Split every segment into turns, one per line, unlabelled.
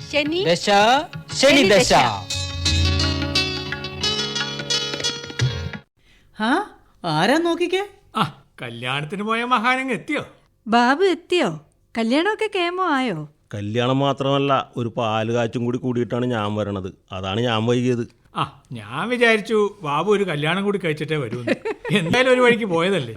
ശനി
ദശ ശനി ദശ.
ആ ആരാ നോക്കിക്കേ?
ആ കല്യാണത്തിന് പോയ മഹാനങ്ങ് എത്തിയോ?
ബാബു എത്തിയോ? കല്യാണമൊക്കെ കേമോ ആയോ?
കല്യാണം മാത്രമല്ല, ഒരു പാല് കാച്ചും കൂടി കൂടിയിട്ടാണ് ഞാൻ വരണത്. അതാണ് ഞാൻ വൈകിയത്.
ആ ഞാൻ വിചാരിച്ചു ബാബു ഒരു കല്യാണം കൂടി കഴിച്ചിട്ടേ വരൂ. എന്തായാലും ഒരു വഴിക്ക് പോയതല്ലേ.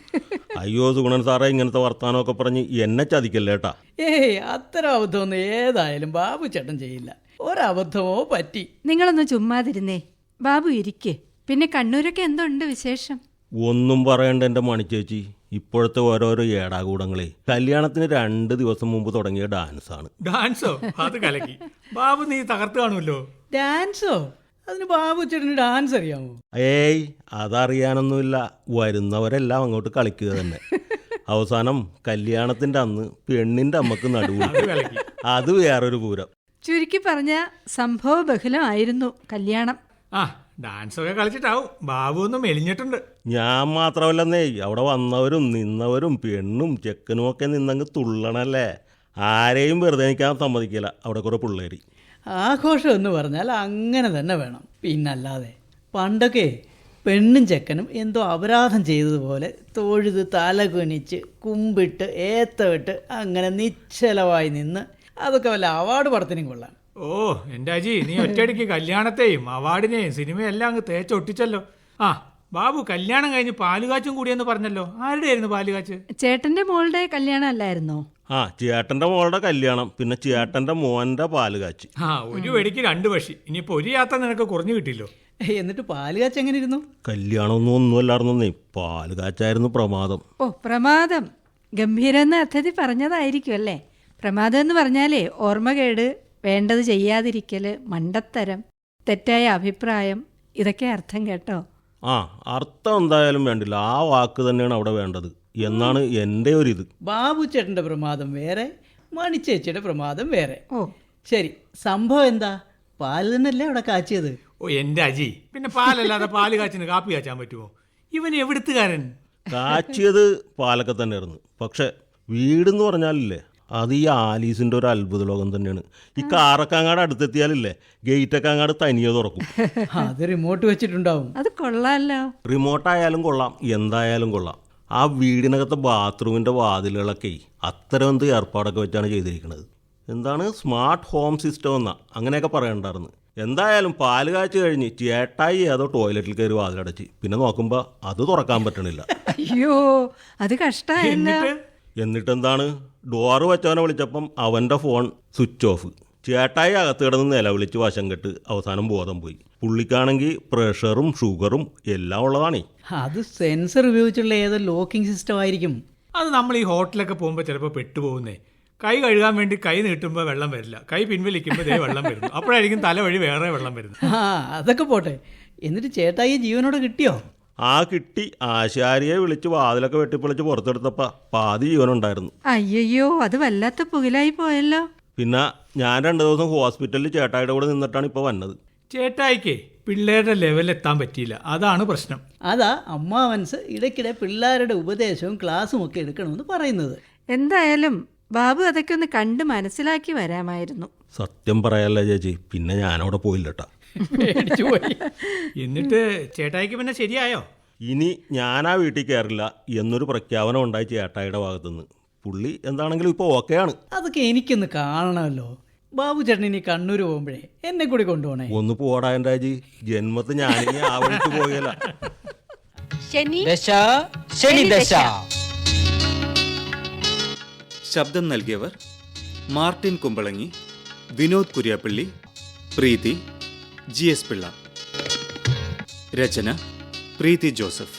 അയ്യോ സുഗുണൻ സാറേ, ഇങ്ങനത്തെ വർത്താനമൊക്കെ പറഞ്ഞ് എന്നെ ചതിക്കല്ലേട്ടാ.
ഏയ് അത്തരം അബദ്ധമൊന്നും ഏതായാലും ബാബു ചേട്ടൻ ചെയ്യില്ല. ഒരബദ്ധമോ പറ്റി.
നിങ്ങളൊന്ന് ചുമ്മാതിരുന്നേ. ബാബു ഇരിക്കേ. പിന്നെ കണ്ണൂരൊക്കെ എന്തുണ്ട് വിശേഷം?
ഒന്നും പറയണ്ട എൻ്റെ മണിച്ചേച്ചി. ഇപ്പോഴത്തെ ഓരോരോ ഏടാകൂടങ്ങളെ കല്യാണത്തിന് 2 ദിവസം മുമ്പ് തുടങ്ങിയ ഡാൻസാണ്.
ഡാൻസോ? അത് കലക്കി. ബാബു നീ തകർത്ത് കാണുമല്ലോ.
ഡാൻസോ? അതിന് ബാബു ചേട്ടന് ഡാൻസ് അറിയാമോ?
ഏയ് അതറിയാനൊന്നുമില്ല. വരുന്നവരെല്ലാം അങ്ങോട്ട് കളിക്കുക തന്നെ. അവസാനം കല്യാണത്തിൻ്റെ അന്ന് പെണ്ണിൻ്റെ അമ്മക്ക് നടുവ്. അത് വേറൊരു പൂരം.
ചുരുക്കി പറഞ്ഞ സംഭവ ബഹുലമായിരുന്നു കല്യാണം.
ആ ഡാൻസൊക്കെ കളിച്ചിട്ടാവും ബാബു ഒന്നും മെലിഞ്ഞിട്ടുണ്ട്.
ഞാൻ മാത്രമല്ലെന്നേ, അവിടെ വന്നവരും നിന്നവരും പെണ്ണും ചെക്കനും ഒക്കെ നിന്നങ്ങ് തുള്ളണല്ലേ. ആരെയും വെറുതെ നിൽക്കാൻ സമ്മതിക്കില്ല അവിടെ കുറേ പിള്ളേര്.
ആഘോഷം എന്ന് പറഞ്ഞാൽ അങ്ങനെ തന്നെ വേണം. പിന്നല്ലാതെ പണ്ടൊക്കെ പെണ്ണും ചെക്കനും എന്തോ അപരാധം ചെയ്തതുപോലെ തൊഴുത് തലകുനിച്ച് കുമ്പിട്ട് ഏത്തവിട്ട് അങ്ങനെ നിശ്ചലമായി നിന്ന് അതൊക്കെ വല്ല അവാർഡ് പടത്തിനും കൊള്ളാം.
ഓ എൻ്റെ അജി, നീ ഒറ്റയടിക്ക് കല്യാണത്തെയും അവാർഡിനെയും സിനിമയും എല്ലാം അങ്ങ് തേച്ചൊട്ടിച്ചല്ലോ. ആ ബാബു കല്യാണം കഴിഞ്ഞ് പാലുകാച്ചും കൂടിയെന്ന് പറഞ്ഞല്ലോ. ആരുടെ ആയിരുന്നു പാലുകാച്ച്?
ചേട്ടന്റെ മോളുടെ കല്യാണം അല്ലായിരുന്നോ?
ആ ചേട്ടൻ്റെ മോളുടെ കല്യാണം, പിന്നെ ചേട്ടൻ്റെ മോൻ്റെ പാല് കാച്ചി.
ആ ഒരു വെടിക്ക് 2 പക്ഷി. ഇനിയിപ്പോൾ ഒരു യാത്ര നിനക്ക് കുറഞ്ഞു കിട്ടില്ലോ.
എന്നിട്ട് പാല് കാച്ച് എങ്ങനെ ഇരുന്നു?
ഒന്നുമല്ലായിരുന്നേ, പാല് കാച്ചായിരുന്നു പ്രമാദം.
ഓ പ്രമാദം. ഗംഭീരം എന്ന് അർത്ഥത്തിൽ പറഞ്ഞതായിരിക്കും അല്ലേ? പ്രമാദം എന്ന് പറഞ്ഞാലേ ഓർമ്മകേട്, വേണ്ടത് ചെയ്യാതിരിക്കല്, മണ്ടത്തരം, തെറ്റായ അഭിപ്രായം, ഇതൊക്കെ അർത്ഥം കേട്ടോ.
ആ അർത്ഥം എന്തായാലും വേണ്ടില്ല, ആ വാക്ക് തന്നെയാണ് അവിടെ വേണ്ടത് എന്നാണ് എൻ്റെ ഒരിത്.
ബാബു ചേട്ടൻ്റെ പ്രമാദം വേറെ, മണിച്ചേച്ചിയുടെ പ്രമാദം വേറെ.
ഓ
ശരി, സംഭവം എന്താ? പാല് തന്നെയല്ലേ അവിടെ കാച്ചിയത്?
ഓ എൻ്റെ അജി, പിന്നെ പാലല്ലാതെ പാല് കാച്ചിന് കാപ്പി കാച്ചാൻ പറ്റുമോ? ഇവൻ എവിടുത്തുകാരൻ?
കാച്ചിയത് പാലൊക്കെ തന്നെയായിരുന്നു. പക്ഷെ വീടെന്ന് പറഞ്ഞാലില്ലേ, അത് ഈ ആലീസിൻ്റെ ഒരു അത്ഭുത ലോകം തന്നെയാണ്. ഈ കാറൊക്കെ അങ്ങാട് അടുത്തെത്തിയാലില്ലേ, ഗേറ്റൊക്കെ അങ്ങാട് തനിയെ തുറക്കും.
അത് റിമോട്ട് വെച്ചിട്ടുണ്ടാവും.
അത് കൊള്ളാമല്ലോ.
റിമോട്ടായാലും കൊള്ളാം, എന്തായാലും കൊള്ളാം. ആ വീടിനകത്തെ ബാത്റൂമിൻ്റെ വാതിലുകളൊക്കെ അത്തരം എന്ത് ഏർപ്പാടൊക്കെ വെച്ചാണ് ചെയ്തിരിക്കുന്നത്. എന്താണ് സ്മാർട്ട് ഹോം സിസ്റ്റം എന്നാ അങ്ങനെയൊക്കെ പറയണ്ടായിരുന്നു. എന്തായാലും പാല് കാച്ച് കഴിഞ്ഞ് ചേട്ടായി ഏതോ ടോയ്ലറ്റിൽ കയറി വാതിലടച്ച്, പിന്നെ നോക്കുമ്പോൾ അത് തുറക്കാൻ പറ്റണില്ല.
അയ്യോ അത് കഷ്ടമായല്ലോ.
എന്നിട്ടെന്താണ്, ഡോറ് വെച്ചവനെ വിളിച്ചപ്പം അവൻ്റെ ഫോൺ സ്വിച്ച് ഓഫ്. ചേട്ടായി അകത്ത് കിടന്ന് നിലവിളിച്ച് വശം കെട്ട് അവസാനം ബോധം പോയി. പുള്ളിക്കാണെങ്കിൽ പ്രഷറും ഷുഗറും എല്ലാം ഉള്ളതാണേ.
അത് സെൻസർ ഉപയോഗിച്ചുള്ള ഏതോ ലോക്കിംഗ് സിസ്റ്റം ആയിരിക്കും.
അത് നമ്മൾ ഈ ഹോട്ടലൊക്കെ പോകുമ്പോൾ ചിലപ്പോൾ പെട്ടുപോകുന്നേ. കൈ കഴുകാൻ വേണ്ടി കൈ നീട്ടുമ്പോൾ വെള്ളം വരില്ല, കൈ പിൻവലിക്കുമ്പോൾ ദേ വെള്ളം വരുന്നു. അപ്പോഴായിരിക്കും തല വഴി വേറെ വെള്ളം വരുന്നത്.
ആ അതൊക്കെ പോട്ടെ. എന്നിട്ട് ചേട്ടായി ജീവനോടെ കിട്ടിയോ?
ആ കിട്ടി. ആശാരിയെ വിളിച്ച് വാതിലൊക്കെ വെട്ടിപ്പൊളിച്ച് പുറത്തെടുത്തപ്പോൾ പാതി ജീവനുണ്ടായിരുന്നു.
അയ്യോ അത് വല്ലാത്ത പുകിലായി പോയല്ലോ.
പിന്നെ ഞാൻ 2 ദിവസം ഹോസ്പിറ്റലിൽ ചേട്ടായിയുടെ കൂടെ നിന്നിട്ടാണ് ഇപ്പോൾ വന്നത്.
ചേട്ടായിക്കേ പിള്ളേരുടെ ലെവലെത്താൻ പറ്റിയില്ല, അതാണ് പ്രശ്നം.
അതാ അമ്മാവൻസ് ഇടയ്ക്കിടെ പിള്ളേരുടെ ഉപദേശവും ക്ലാസ്സും ഒക്കെ എടുക്കണമെന്ന് പറയുന്നത്.
എന്തായാലും ബാബു അതൊക്കെ ഒന്ന് കണ്ട് മനസ്സിലാക്കി വരാമായിരുന്നു.
സത്യം പറയാല്ല ചേച്ചി, പിന്നെ ഞാനവിടെ പോയില്ലട്ടാ.
എന്നിട്ട് ചേട്ടായിക്ക് പിന്നെ ശരിയായോ?
ഇനി ഞാനാ വീട്ടിൽ കയറില്ല എന്നൊരു പ്രഖ്യാപനം ഉണ്ടായി ചേട്ടായിയുടെ ഭാഗത്തുനിന്ന്. പുള്ളി എന്താണെങ്കിലും ഇപ്പോൾ ഓക്കെയാണ്.
അതൊക്കെ എനിക്കൊന്ന് കാണണമല്ലോ. ബാബു ചേട്ടൻ ഇനി കണ്ണൂർ പോകുമ്പോഴേ എന്നെ കൂടി കൊണ്ടുപോകണേ.
ഒന്ന് പോടാ എൻ്റെ അജി, ജന്മത്ത് ഞാനിനി ആ വഴിക്ക് പോയല്ല.
ശനി
ദശ ശനി ദശ.
ശബ്ദം നൽകിയവർ മാർട്ടിൻ കുമ്പളങ്ങി, വിനോദ് കുര്യാപ്പള്ളി, പ്രീതി, GS പിള്ള. രചന പ്രീതി ജോസഫ്.